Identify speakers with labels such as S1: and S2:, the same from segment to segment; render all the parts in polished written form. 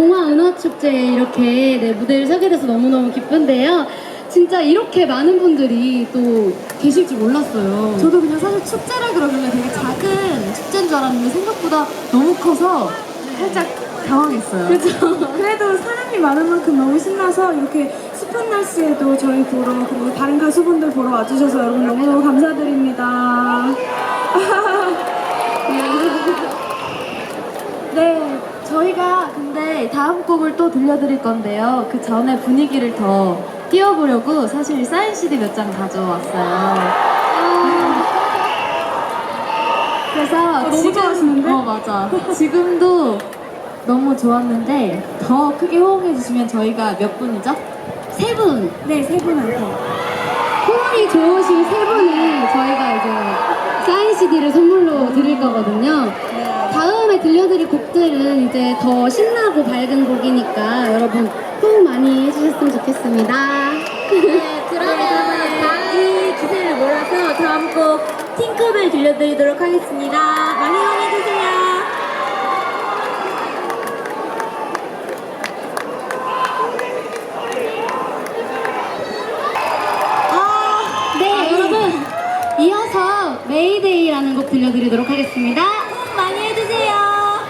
S1: 동화은하축제에 이렇게 네, 무대를 서게 돼서 너무너무 기쁜데요. 진짜 이렇게 많은 분들이 또 계실 줄 몰랐어요.
S2: 저도 그냥 사실 축제라 그러길래 되게 작은 축제인 줄 알았는데 생각보다 너무 커서 살짝 당황했어요.
S1: 그죠?
S2: 그래도 사람이 많은 만큼 너무 신나서 이렇게 습한 날씨에도 저희 보러 그리고 다른 가수분들 보러 와주셔서 여러분 너무너무 감사드립니다. 네, 저희가 근데 다음 곡을 또 들려드릴 건데요. 그 전에 분위기를 더 띄워보려고 사실 사인 CD 몇 장 가져왔어요. 그래서
S1: 너무 좋아하시는데?
S2: 맞아. 지금도 너무 좋았는데 더 크게 호응해주시면 저희가 몇 분이죠?
S1: 세 분!
S2: 네, 세 분한테.
S1: 호응이 좋으신 세 분을 저희가 이제 사인 CD를 선물로 드릴 거거든요. 다음에 들려드릴 곡들은 이제 더 신나고 밝은 곡이니까 여러분 호응 많이 해주셨으면 좋겠습니다.
S3: 네, 그러면 이 기세를 몰아서 다음 곡 팅커벨 들려드리도록 하겠습니다. 많이 응원해주세요.
S1: 네, 여러분 이어서 메이데이라는 곡 들려드리도록 하겠습니다.
S3: 많이 해주세요.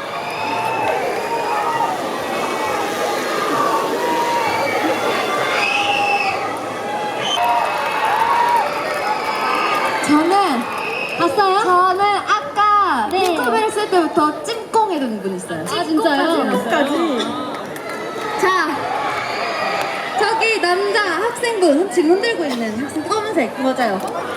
S2: 저는 아까
S1: 네.
S2: 핑크벨 쓸 때부터 찜꽁 해둔 분 있어요.
S1: 아 진짜요?
S2: 자, 저기 남자 학생분 지금 흔들고 있는 학생 검은색 맞아요.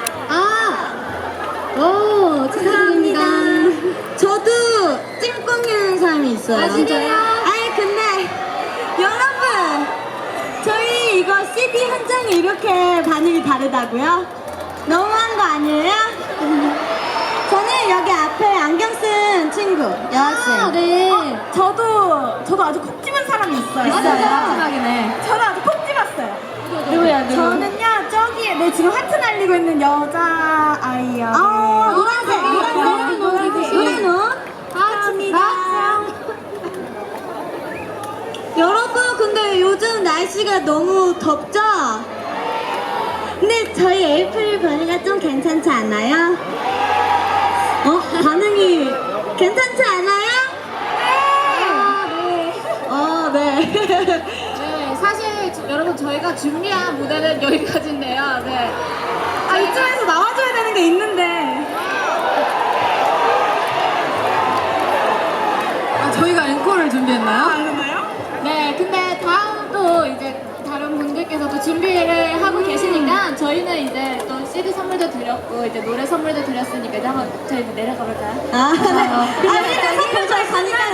S1: 오, 축하드립니다.
S3: 저도 찜꽁이라는 사람이 있어요.
S1: 아, 진짜요?
S3: 아니 근데 여러분 저희 이거 CD 한 장이 이렇게 반응이 다르다고요? 너무한 거 아니에요? 저는 여기 앞에 안경 쓴 친구 여학생.
S1: 네.
S2: 저도 아주 콕 집은 사람이 있어요. 마지막이네. 저는 아주 콕 집었어요.
S3: 누구야?
S2: 저는요 저기에 네 지금 하트 날리고 있는 여자 아이요.
S3: 노란색 노란 옷. 감사합니다. 여러분 근데 요즘 날씨가 너무 덥죠? 근데 저희 에이프릴 버니가 좀 괜찮지 않아요? 반응이 괜찮지 않아요? 네.
S2: 네, 사실 여러분 저희가 준비한 무대는 여기까지인데요. 네. 이쯤에서 나와줘야 되는 게 있는데. 저희가 앵콜을 준비했나요? 그런가요? 네, 근데 다음 또 이제 다른 분들께서도 준비를 하고 계시니까 저희는 이제 또 CD 선물도 드렸고 이제 노래 선물도 드렸으니까 이제 한번 저희 이제 내려가 볼까요?
S3: 일단 선물 저희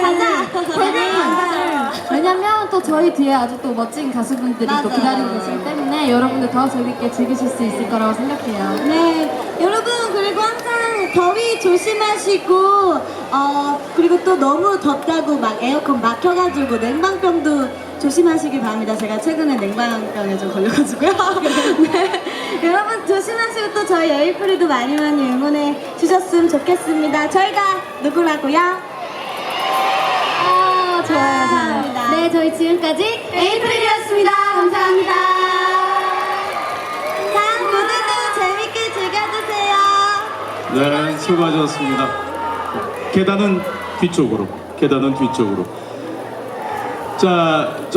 S3: 가자.
S2: 왜냐면 또 저희 뒤에 아주 또 멋진 가수분들이 또
S3: 맞아요.
S2: 기다리고 계시기 때문에 여러분들 더 재밌게 즐기실 수 있을 거라고 생각해요.
S3: 네, 여러분 그리고 항상 더위 조심하시고 그리고 또 너무 덥다고 막 에어컨 막혀가지고 냉방병도 조심하시길 바랍니다. 제가 최근에 냉방병에 좀 걸려가지고요. 네, 여러분 조심하시고 또 저희 에이프릴도 많이 응원해 주셨으면 좋겠습니다. 저희가 누구라고요?
S1: 좋아요.
S3: 감사합니다.
S1: 네, 저희 지금까지 에이프릴이었습니다. 감사합니다.
S3: 다음 무대도 재밌게 즐겨주세요.
S4: 네, 수고하셨습니다. 계단은 뒤쪽으로. 자.